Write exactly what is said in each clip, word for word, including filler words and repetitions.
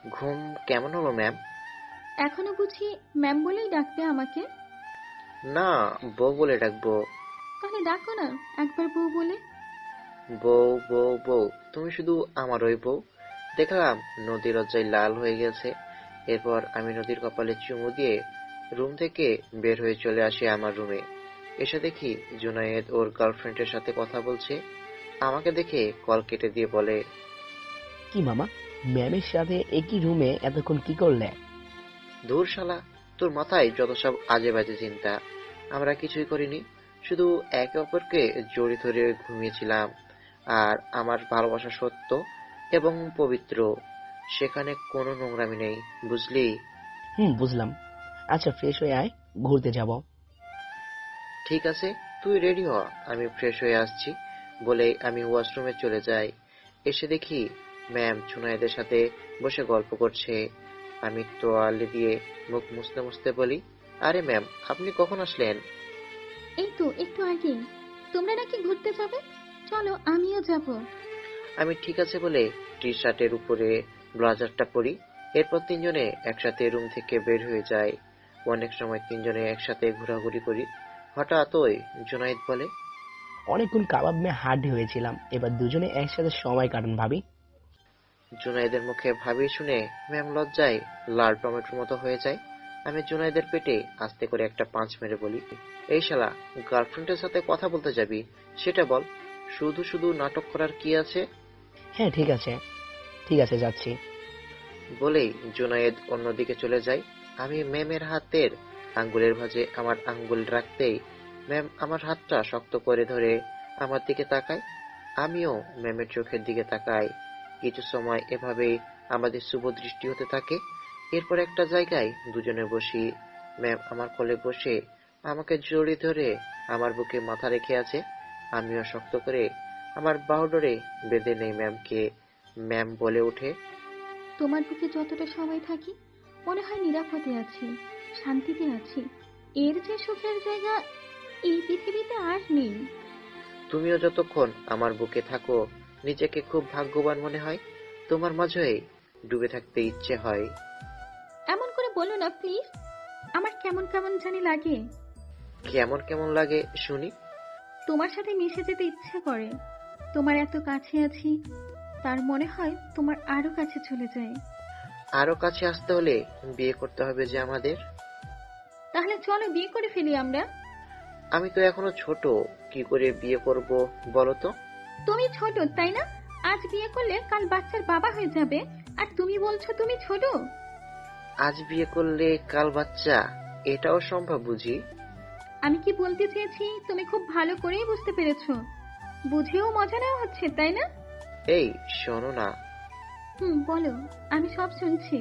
ঘুম কেমন হলো ম্যাম? এখনো বুঝি ম্যাম বলেই ডাকবে আমাকে? না, বউ বলে ডাকবো। তাহলে ডাকো না একবার বউ বলে। বউ বউ বউ, তুমি শুধু আমার ওই বউ। দেখলাম নদী লজ্জায় লাল হয়ে গেছে। এরপর আমি নদীর কপালে চুমু দিয়ে রুম থেকে বের হয়ে চলে আসি আমার রুমে। এসে দেখি জুনায়েদ ওর গার্লফ্রেন্ডের সাথে কথা বলছে। আমাকে দেখে কল কেটে দিয়ে বলে, কি মামা, ম্যামের সাথে একই রুমে এতক্ষণ কি করলে? ধুর শালা, তোর মাথায় যত সব আজে বাজে চিন্তা। আমরা কিছুই করিনি, শুধু একে অপরকে জড়িয়ে ধরে ঘুমিয়েছিলাম। আর আমার ভালোবাসা সত্য এবং পবিত্র, সেখানে কোনো নোংরামি নেই, বুঝলি? হুম, বুঝলাম। আচ্ছা, ফ্রেশ হয়ে আয়, ঘুরতে যাব। ঠিক আছে, তুই রেডি হ, আমি ফ্রেশ হয়ে আসছি। বলেই আমি ওয়াশরুমে চলে যাই। এসে দেখি ম্যাম জুনায়েদের সাথে বসে গল্প করছে। আমি তোয়ালে দিয়ে মুখ মুছতে মুছতে বলি, আরে ম্যাম, আপনি কখন আসলেন? এই তো একটু আগে। তোমরা নাকি ঘুরতে যাবে? চলো আমিও যাব। আমি ঠিক আছে বলে টি শার্টের উপরে ব্লাজারটা পরি। এরপর তিনজনে একসাথে রুম থেকে বের হয়ে যাই। অনেক সময় তিনজনে একসাথে ঘোরাঘুরি করি। হঠাৎ ওই জুনায়েদ বলে, অনেকক্ষণ কাবাব মেয়ে হাড্ডি হয়েছিলাম, এবার দুজনে একসাথে সময় কাটান ভাবি। জুনায়েদের মুখে ভাবি শুনে ম্যাম লজ্জায় লাল টমেটোর মতো হয়ে যায়। আমি জুনায়েদের পেটে আস্তে করে একটা পাঁচ মেরে বলি, এই শালা, গার্লফ্রেন্ডের সাথে কথা বলতে যাবি সেটা বল, শুধু শুধু নাটক করার কি আছে? হ্যাঁ, ঠিক আছে, ঠিক আছে, যাচ্ছি। বলেই জুনায়েদ অন্যদিকে চলে যায়। আমি ম্যামের হাতের আঙ্গুলের ভাঁজে আমার আঙ্গুল রাখতেই ম্যাম আমার হাতটা শক্ত করে ধরে আমার দিকে তাকায়। আমিও ম্যামের চোখের দিকে তাকাই। কিছু সময় এভাবেই আমাদের শুভ দৃষ্টি হতে থাকে। এরপর একটা জায়গায় দুজনে বসি। ম্যাম আমার কোলে বসে আমাকে জড়িয়ে ধরে আমার বুকে মাথা রেখে আছে। আমিও শক্ত করে আমার বাহুডোরে বেঁধে নেই ম্যামকে। ম্যাম বলে ওঠে, তোমার বুকে যতটা সময় থাকি মনে হয় নিরাপদে আছি, শান্তিতে আছি। এর যে সুখের জায়গা এই পৃথিবীতে আর নেই। তুমিও যতক্ষণ আমার বুকে থাকো নিজেকে খুব ভাগ্যবান মনে হয়। তোমার মাঝে ডুবে থাকতে ইচ্ছে হয়। এমন করে বলো না প্লিজ। আমার কেমন কেমন জানি লাগে। কেমন কেমন লাগে শুনি? তোমার সাথে মিশে যেতে ইচ্ছে করে। তোমার এত কাছে আছি, তার মনে হয় তোমার আরো কাছে চলে যায়। আরো কাছে আসতে হলে বিয়ে করতে হবে যে আমাদের। তাহলে চলো বিয়ে করে ফেলি আমরা। আমি তো এখনো ছোট, কি করে বিয়ে করব বলো তো? তুমি ছোট তাই না? আজ বিয়ে করলে কাল বাচ্চার বাবা হয়ে যাবে, আর তুমি বলছো তুমি ছোট। আজ বিয়ে করলে কাল বাচ্চা, এটাও সম্ভব বুঝি? আমি কি বলতে চেয়েছি তুমি খুব ভালো করেই বুঝতে পেরেছো। বুঝেও মজা নেওয়া হচ্ছে তাই না? এই শোনো না, হুম, বলো। আমি সব শুনছি।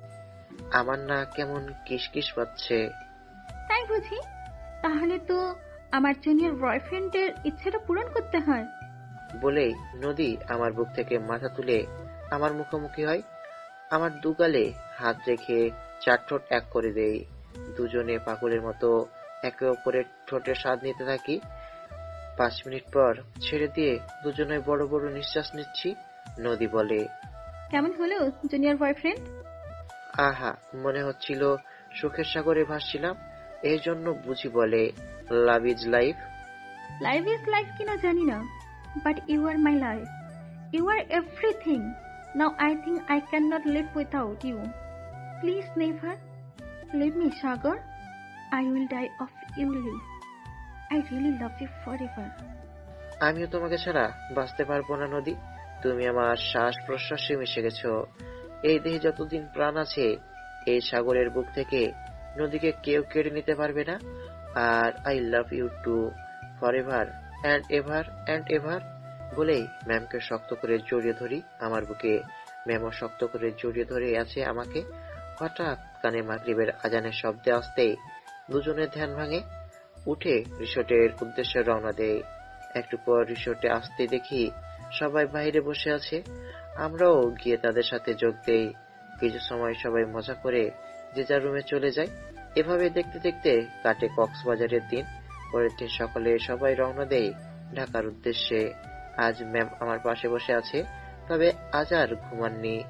আমার না কেমন কিসকিস পাচ্ছে। তাই বুঝি? তাহলে তো আমার জুনিয়র বয়ফ্রেন্ডের ইচ্ছেটা পূরণ করতে হয়। বলেই নদী আমার বুক থেকে মাথা তুলে আমার মুখোমুখি হয়। আমার দুগালে হাত রেখে চার ঠোঁট এক করে দেই। দুজনে পাগলের মতো একে অপরের ঠোঁটের স্বাদ নিতে থাকি। পাঁচ মিনিট পর ছেড়ে দিয়ে দুজনে বড় বড় নিঃশ্বাস নিচ্ছি। নদী বলে, কেমন হলো জুনিয়র বয়ফ্রেন্ড? আহা, মনে হচ্ছিল সুখের সাগরে ভাসছিলাম। এই জন্য বুঝি বলে love is life. Life is life কিনা জানি না, but you are my life. You are everything. Now I think I can not live without you. Please never leave me Sagar. I will die of you leave. I really love you forever. আমিও তোমাকে ছাড়া বাঁচতে পারবো না নদী। তুমি আমার শ্বাস প্রশ্বাসে মিশে গেছো। এই দেহে যতদিন প্রাণ আছে, এই সাগরের বুক থেকে নদীকে কেউ কেড়ে নিতে পারবে না। আর I love you too, forever and ever and ever. বলেই ম্যামকে শক্ত করে জড়িয়ে ধরি আমার বুকে। ম্যামও শক্ত করে জড়িয়ে ধরে আছে আমাকে। হঠাৎ কানে মাগরিবের আজানের শব্দে আসতেই দুজনের ধ্যান ভাঙে। উঠে রিসোর্টের উদ্দেশ্যে রওনা দেয়। একটু পর রিসোর্টে আসতে দেখি সবাই বাইরে বসে আছে। আমরাও গিয়ে তাদের সাথে যোগ দেই। কিছু সময় সবাই মজা করে যে যার রুমে চলে যায়। এভাবে দেখতে দেখতে কাটে কক্সবাজারের দিন। পরের দিন সকালে সবাই রওনা দেয় ঢাকার উদ্দেশ্যে। আজ ম্যাম আমার পাশে বসে আছে, তবে আজ আর ঘুমাননি।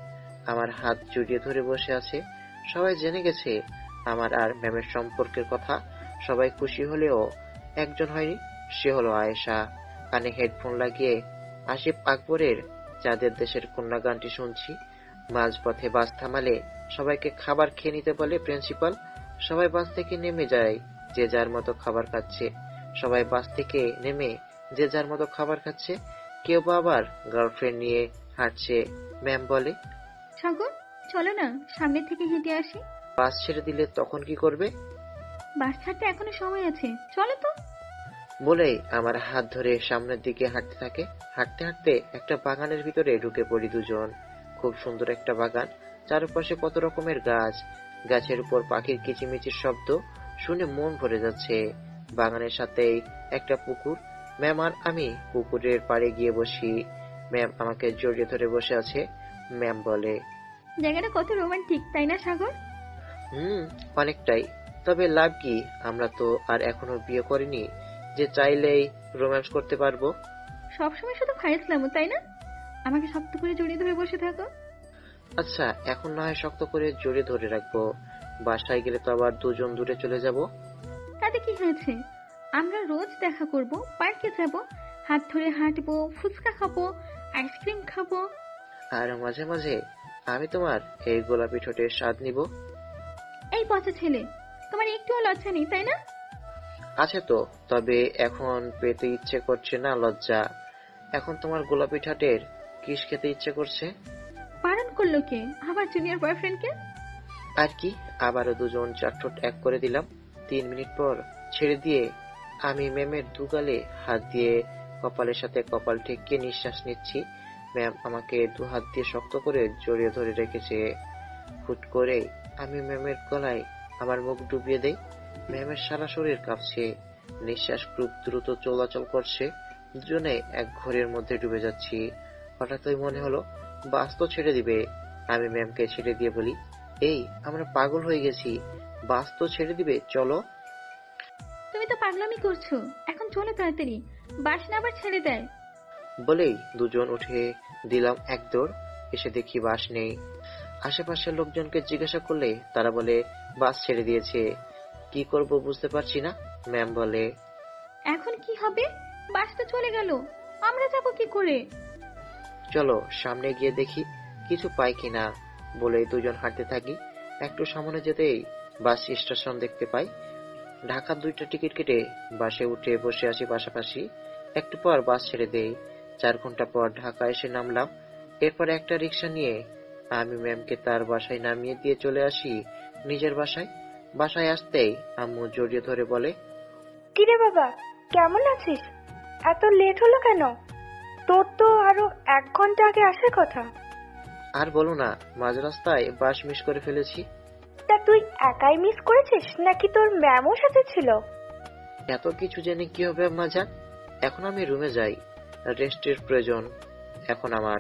আমার হাত জড়িয়ে ধরে বসে আছে। সবাই জেনে গেছে আমার আর ম্যামের সম্পর্কের কথা। সবাই খুশি হলেও একজন হয়নি, সে হলো আয়েশা। কানে হেডফোন লাগিয়ে আসিফ আকবরের চাঁদের দেশের কন্যা গানটি শুনছি। মাঝপথে বাস থামালে সবাইকে খাবার খেয়ে নিতে বলে প্রিন্সিপাল। সবাই বাস থেকে নেমে যায়, যে যার মতো খাবার খাচ্ছে। সবাই বাস থেকে নেমে যে যার মতো খাবার খাচ্ছে। কেউ বা আবার গার্লফ্রেন্ড নিয়ে হাঁটছে। ম্যাম বলে, সাগর, চলো না সামনে থেকে হেঁটে আসি। বাস ছেড়ে দিলে তখন কি করবে? বাস ছাড়তে এখনো সময় আছে, চলো তো। বলেই আমার হাত ধরে সামনের দিকে হাঁটতে থাকে। হাঁটতে হাঁটতে একটা বাগানের ভিতরে ঢুকে পড়ি দুজন। খুব সুন্দর একটা বাগান, চারপাশে কত রকমের গাছ। গাছের উপর পাখির কিচিমিচির শব্দ শুনে মন ভরে যাচ্ছে। বাগানের সাথেই একটা পুকুর। ম্যাম আর আমি পুকুরের পাড়ে গিয়ে বসি। ম্যাম আমাকে জড়িয়ে ধরে বসে আছে। ম্যাম বলে, জায়গাটা কত রোমান্টিক, তাই না সাগর? হুম, অনেকটাই। তবে লাভ কি, আমরা তো আর এখনো বিয়ে করিনি যে চাইলেই রোম্যান্স করতে পারবো। সবসময় শুধু ফাইসলামো, তাই না? আমাকে শক্ত করে জড়িয়ে ধরে বসে থাকো। আচ্ছা, এখন না হয় শক্ত করে জড়িয়ে ধরে রাখবো। বাসায় গেলে তো আবার দুজন দূরে চলে যাব। তাতে কি হয়েছে? আমরা রোজ দেখা করব, পার্কে যাব, হাত ধরে হাঁটবো, ফুচকা খাবো, আইসক্রিম খাবো। আর মাঝে মাঝে আমি তোমার এই গোলাপি ঠোঁটের স্বাদ নিব। এই পচা ছেলে, তোমার একটুও লজ্জা নেই, তাই না? আছে তো, তবে এখন পেতে ইচ্ছে করছে না লজ্জা। এখন তোমার গোলাপি ঠোঁটের কিস খেতে ইচ্ছে করছে। বারণ করলো কে? আমার জুনিয়র বয়ফ্রেন্ডকে? আর কি, আবারও দুজন চার ঠোঁট এক করে দিলাম। তিন মিনিট পর ছেড়ে দিয়ে আমি ম্যামের দুগালে হাত দিয়ে কপালের সাথে কপাল ঠেকিয়ে নিঃশ্বাস নিচ্ছি। ম্যাম আমাকে দু হাত দিয়ে শক্ত করে জড়িয়ে ধরে রেখেছে। হুট করে আমি ম্যামের গলায় আমার মুখ ডুবিয়ে দেই। ম্যামের সারা শরীর কাঁপছে, নিঃশ্বাস খুব দ্রুত চলাচল করছে। দুজনে এক ঘোরের মধ্যে ডুবে যাচ্ছি। হঠাৎই মনে হলো বাস তো ছেড়ে দিবে। আমি ম্যামকে ছেড়ে দিয়ে বলি, এই আমরা পাগল হয়ে গেছি, বাস তো ছেড়ে দিবে, চলো। তুমি তো পাগলামি করছো, এখন চলো তাড়াতাড়ি, বাস না আবার ছেড়ে দেয়। বলেই দুজন উঠে দিলাম এক দৌড়। এসে দেখি বাস নেই। আশেপাশের লোকজনকে জিজ্ঞাসা করলে তারা বলে বাস ছেড়ে দিয়েছে। কি করব বুঝতে পারছি না। ম্যাম বলে, এখন কি হবে? বাস তো চলে গেল, আমরা যাবো কি করে? চলো সামনে গিয়ে দেখি কিছু পাই কিনা। বলে দুজন হাঁটতে থাকি। একটু সামনে যেতেই বাস স্টেশন দেখতে পাই। ঢাকার দুইটা টিকিট কেটে বাসে উঠে বসে আছি পাশাপাশি। একটু পর বাস ছেড়ে দেই। চার ঘন্টা পর ঢাকা এসে নামলাম। এরপর একটা রিক্সা নিয়ে আমি ম্যামকে তার বাসায় নামিয়ে দিয়ে চলে আসি নিজের বাসায়। বাসায় আসতেই আম্মু জড়িয়ে ধরে বলে, কিরে বাবা, কেমন আছিস? এত লেট হলো কেন? তোর তো আরো এক ঘন্টা আগে আসার কথা। আর বলো না, মাঝ রাস্তায় বাস মিস করে ফেলেছি। তা তুই একাই মিস করেছিস নাকি তোর ম্যামও সাথে ছিল? এত কিছু জেনে কি হবে আম্মা জান, এখন আমি রুমে যাই, রেস্টের প্রয়োজন এখন আমার।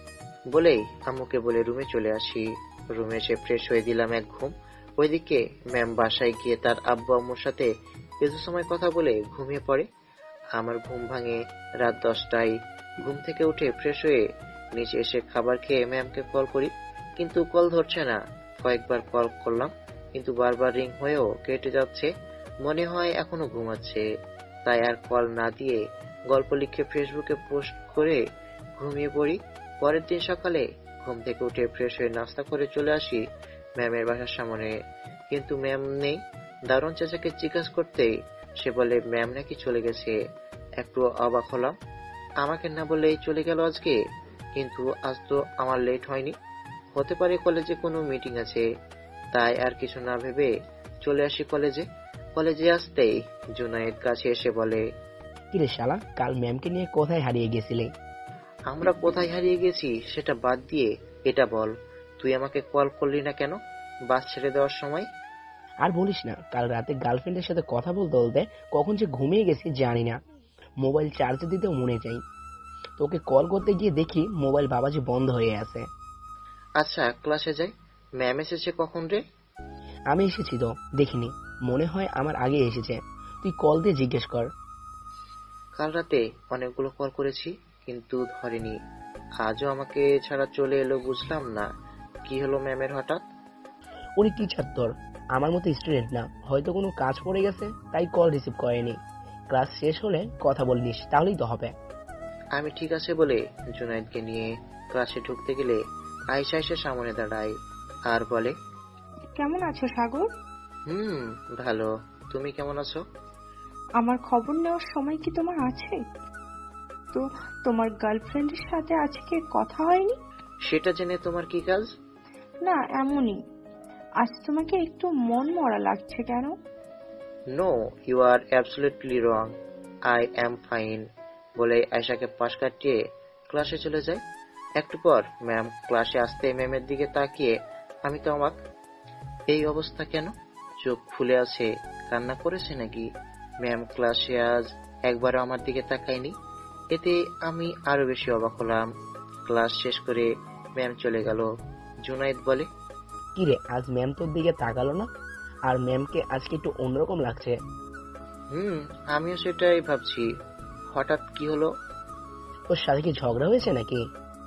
বলেই আম্মুকে বলে রুমে চলে আসি। রুমে এসে ফ্রেশ হয়ে দিলাম এক ঘুম। ওইদিকে ম্যাম বাসায় গিয়ে তার আব্বু আম্মুর সাথে কিছু সময় কথা বলে ঘুমিয়ে পড়ে। আমার ঘুম ভাঙে রাত দশটায়। ঘুম থেকে উঠে ফ্রেশ হয়ে নিচে এসে খাবার খেয়ে ম্যামকে কল করি, কিন্তু কল ধরছে না। কয়েকবার কল করলাম, কিন্তু বারবার রিং হয়েও কেটে যাচ্ছে। মনে হয় এখনো ঘুমাচ্ছে। তাই আর কল না দিয়ে গল্প লিখে ফেসবুকে পোস্ট করে ঘুমিয়ে পড়ি। পরের দিন সকালে ঘুম থেকে উঠে ফ্রেশ হয়ে নাস্তা করে চলে আসি ম্যামের বাসার সামনে, কিন্তু ম্যাম নেই। দারুণ চাচাকে জিজ্ঞাসা করতেই সে বলে ম্যাম নাকি চলে গেছে। একটু অবাক হলাম, আমাকে না বলেই চলে গেল আজকে। কিন্তু আজ তো আমার লেট হয়নি, হতে পারে কলেজে কোনো মিটিং আছে। তাই আর কিছু না ভেবে চলে আসি কলেজে। কলেজে আসতেই জুনায়েদ কাছে এসে বলে, কিরে শালা, কাল ম্যামকে নিয়ে কোথায় হারিয়ে গেছিলে? আমরা কোথায় হারিয়ে গেছি সেটা বাদ দিয়ে এটা বল, তুই আমাকে কল করলি না কেন বাস ছেড়ে দেওয়ার সময়? আর বলিস না, কাল রাতে গার্লফ্রেন্ডের সাথে কথা বলতে বলতে কখন যে ঘুমিয়ে গেছি জানি না। মোবাইল চার্জে দিতেও মনে চাই, তোকে কল করতে গিয়ে দেখি মোবাইল বাবাজি বন্ধ হয়ে আছে। আচ্ছা ক্লাসে যাই, ম্যাম এসেছে কখন রে? আমি এসেছি তো দেখিনি, মনে হয় আমার আগে এসেছে। তুই কল দিয়ে জিজ্ঞেস কর। কাল রাতে অনেকগুলো কল করেছি কিন্তু ধরেনি। আজও আমাকে ছাড়া চলে এলো, বুঝলাম না কি হলো ম্যামের হঠাৎ? উনি টিচার তোর, আমার মতো স্টুডেন্ট না, হয়তো কোনো কাজ পড়ে গেছে তাই কল রিসিভ করেনি। ক্লাস শেষ হলে কথা বলে নিস, তাহলেই তো হবে। আমি ঠিক আছে বলে জুনায়েদকে নিয়ে ক্লাসে ঢুকতে গেলে আয়শা এসে সামনে দাঁড়ায় আর বলে, কেমন আছো সাগর? হুম ভালো, তুমি কেমন আছো? আমার খবর নেওয়ার সময় কি তোমার আছে? তো তোমার গার্লফ্রেন্ডের সাথে আজকে কথা হয়নি? সেটা জেনে তোমার কি কাজ? না, এমনই। আজ তোমাকে একটু মন মরা লাগছে কেন? No, you are absolutely wrong, I am fine বলে আয়শাকে পাশ কাটিয়ে ক্লাসে চলে যায়। একটু পর ম্যাম ক্লাসে আসতে ম্যামের দিকে তাকিয়ে আমি তো অবাক, এই অবস্থা কেন? চোখ ফুলে আছে, কান্না করেছে নাকি? ম্যাম ক্লাসে আজ একবারও আমার দিকে তাকায়নি, এতে আমি আরো বেশি অবাক হলাম। ক্লাস শেষ করে ম্যাম চলে গেল। জুনায়েদ বলে, কিরে, আজ ম্যাম তোর দিকে তাকালো না? আর ম্যামকে আজকে একটু অন্যরকম লাগছে। হুম আমিও সেটাই ভাবছি, হঠাৎ কি হলো? ওর সাথে কি ঝগড়া হয়েছে নাকি?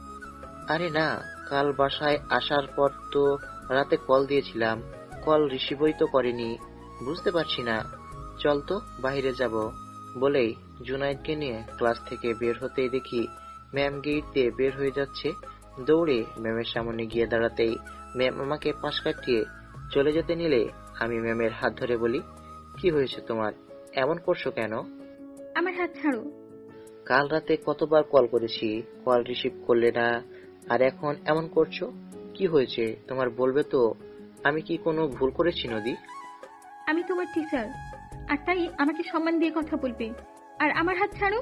আরে না, কাল বাসায় আসার পর তো রাতে কল দিয়েছিলাম, কল রিসিভই তো করেনি, বুঝতে পারছি না। চল তো বাইরে যাব বলেই জুনায়েদকে নিয়ে ক্লাস থেকে বের হতেই দেখি ম্যাম গেট দিয়ে বের হয়ে যাচ্ছে। দৌড়ে ম্যামের সামনে গিয়ে দাঁড়াতেই ম্যাম আমাকে পাশ কাটিয়ে চলে যেতে নিলে আমি ম্যামের হাত ধরে বলি, কি হয়েছে তোমার, এমন করছো কেন? আমার হাত ছাড়ো। কাল রাতে কতবার কল করেছি, কল রিসিভ করলে না, আর এখন এমন করছো, কি হয়েছে তোমার বলবে তো? আমি কি কোনো ভুল করেছি নদী? আমি তোমার টিচার, আর তাই আমাকে সম্মান দিয়ে কথা বলবে। আর আমার হাত ছাড়ো।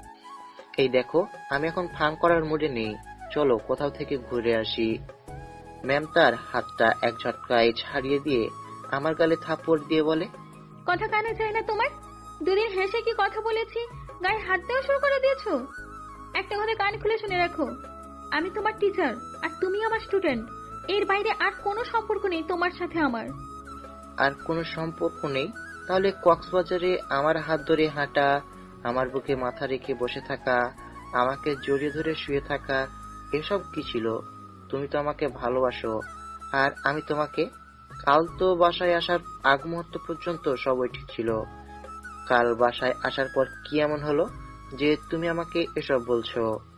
এই দেখো, আমি এখন ফান করার মুডে নেই, চলো কোথাও থেকে ঘুরে আসি। ম্যাম তার হাতটা এক ঝটকায় ছাড়িয়ে দিয়ে আমার গালে থাপ্পড় দিয়ে বলে, কথা কানে যায় না তোমার? দুদিন হেসে কি কথা বলেছি, গায়ে হাত দেওয়া শুরু করে দিয়েছো? একটা কথা কান খুলে শুনে রাখো, আমি তোমার টিচার আর তুমি আমার স্টুডেন্ট। এর বাইরে আর কোনো সম্পর্ক নেই তোমার সাথে আমার। আর কোনো সম্পর্ক নেই? তাহলে কক্সবাজারে আমার হাত ধরে হাঁটা, আমার বুকে মাথা রেখে বসে থাকা, আমাকে জড়িয়ে ধরে শুয়ে থাকা, এসব কি ছিল? তুমি তো আমাকে ভালোবাসো, আর আমি তোমাকে। কাল তো বাসায় আসার আগ মুহূর্ত পর্যন্ত সবই ঠিক ছিল, কাল বাসায় আসার পর কি এমন হলো যে তুমি আমাকে এসব বলছো?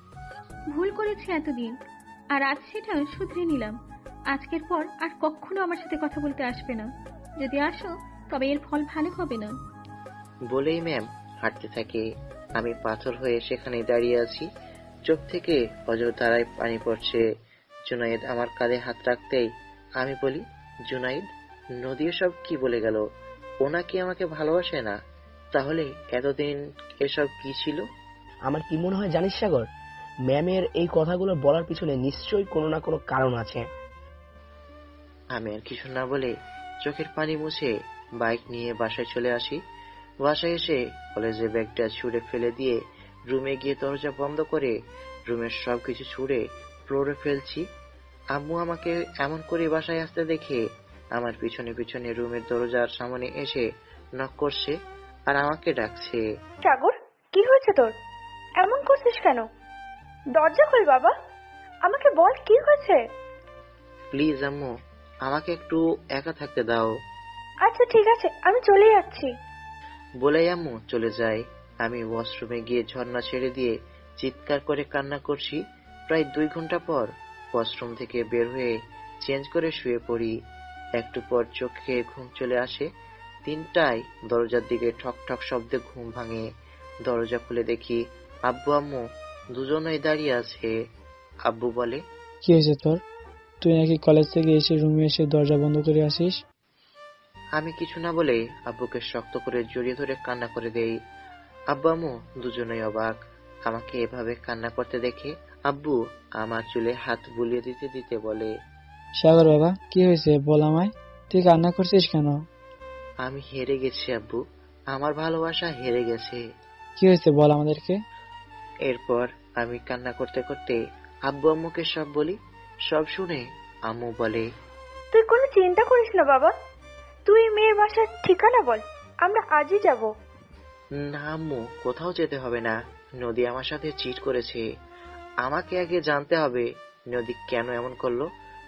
ভুল করেছি এতদিন, আর আজ সেটা শুধরে নিলাম। আজকের পর আর কখনো আমার সাথে কথা বলতে আসবে না। যদি আসো তবে এর ফল ভালো হবে না। বলেই ম্যাম হাঁটতে থাকে। আমি পাথর হয়ে সেখানে দাঁড়িয়ে আছি, চোখ থেকে অজরধারায় পানি পড়ছে। জুনাইদ আমার কাঁধে হাত রাখতেই আমি বলি, জুনাইদ, নদী এসব কি বলে গেল? ও নাকি আমাকে ভালোবাসে না? তাহলে এতদিন এসব কি ছিল? আমার কি মনে হয় জানিস সাগর, ম্যামের এই কথাগুলো বলার পিছনে নিশ্চয়ই কোনো না কোনো কারণ আছে। আমি আর কিছু না বলে চোখের পানি মুছে বাইক নিয়ে বাসায় চলে আসি। বাসায় এসে কলেজের ব্যাগটা ছুঁড়ে ফেলে দিয়ে রুমে গিয়ে দরজা বন্ধ করে রুমের সবকিছু ছুঁড়ে ফ্লোরে ফেলছি। আম্মু আমাকে এমন করে বাসায় আসতে দেখে আমার পিছনে পিছনে রুমের দরজার সামনে এসে নক করছে আর আমাকে ডাকছে। সাগর, কি হয়েছে তোর? এমন করছিস কেন? দরজা খোল বাবা, আমাকে বল কি হয়েছে। প্লিজ আম্মু, আমাকে একটু একা থাকতে দাও। আচ্ছা ঠিক আছে, আমি চলে যাচ্ছি। বলেই আম্মু চলে যায়। আমি ওয়াশরুমে গিয়ে ঝর্ণা ছেড়ে দিয়ে চিৎকার করে কান্না করছি। প্রায় দুই ঘন্টা পর ওয়াশরুম থেকে বের হয়ে চেঞ্জ করে শুয়ে পড়ি। একটু পর চোখে ঘুম চলে আসে। তিনটায় দরজার দিকে ঠক ঠক শব্দে ঘুম ভাঙে। দরজা খুলে দেখি আব্বু আম্মু দুজনেই দাঁড়িয়ে আছে। আব্বু বলে, কি হয়েছে তোর? তুই নাকি কলেজ থেকে এসে রুমে এসে দরজা বন্ধ করে আসিস? আমি কিছু না বলে আব্বুকে শক্ত করে জড়িয়ে ধরে কান্না করে দেই। আব্বু আম্মু দুজনেই অবাক আমাকে এভাবে কান্না করতে দেখে। আব্বু আমার চুলে হাত বুলিয়ে দিতে দিতে বলে, সাগর বাবা, কি হয়েছে বল আমায়, তুই কান্না করছিস কেন? আমি হেরে গেছি আব্বু, আমার ভালোবাসা হেরে গেছে। কি হয়েছে বল আমাদেরকে। এরপর আমি কান্না করতে করতে আব্বু আম্মুকে সব বলি। সব শুনে আম্মু বলে, তুই কোনো চিন্তা করিস না বাবা, তুই মেয়ের বাসার ঠিকানা বল, আমরা আজই যাব। না আম্মু, কোথাও যেতে হবে না, নদী আমার সাথে চিট করেছে। আমাকে আগে জানতে হবে নদী কেন এমন করলো,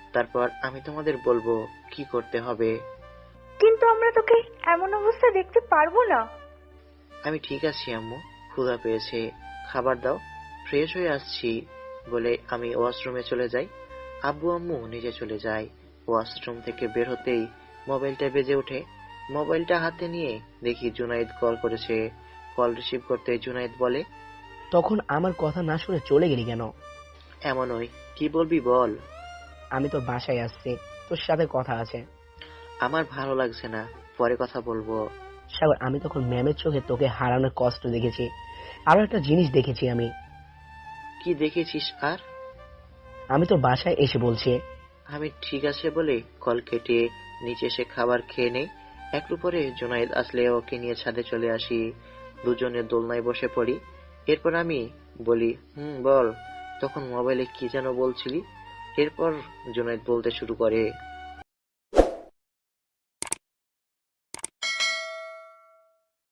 তারপর আমি তোমাদের বলবো কি করতে হবে। কিন্তু আমরা তোকে এমন অবস্থা দেখতে পারবো না। আমি ঠিক আছি আম্মু, ক্ষুধা পেয়েছে, খাবার দাও, ফ্রেশ হয়ে আসছি বলে আমি ওয়াশরুমে চলে যাই। আব্বু আম্মু নিচে চলে যায়। ওয়াশরুম থেকে বের হতেই মোবাইলটা বেজে ওঠে। মোবাইলটা হাতে নিয়ে দেখি জুনাইদ কল করেছে। কল রিসিভ করতে জুনাইদ বলে, তখন আমার কথা না শুনে চলে গেলি কেন? এমনই, কি বলবি বল। আমি তোর বাসায় আসছি, তোর সাথে কথা আছে। আমার ভালো লাগছে না, পরে কথা বলবো। সাগর, আমি তখন ম্যামের চোখে তোকে হারানোর কষ্ট দেখেছি। আরো একটা জিনিস দেখেছি আমি। কি দেখেছিস আর? আমি তোর বাসায় এসে বলছি। আমি ঠিক আছে বলে কল কেটে নিচে এসে খাবার খেয়ে নেই। একটু পরে জুনাইদ আসলে ওকে নিয়ে ছাদে চলে আসি। দুজনে দোলনায় বসে পড়ি। এরপর আমি বলি, হুম বল, তখন মোবাইলে কি যেন বলছিলি। এরপর জুনাইদ বলতে শুরু করে,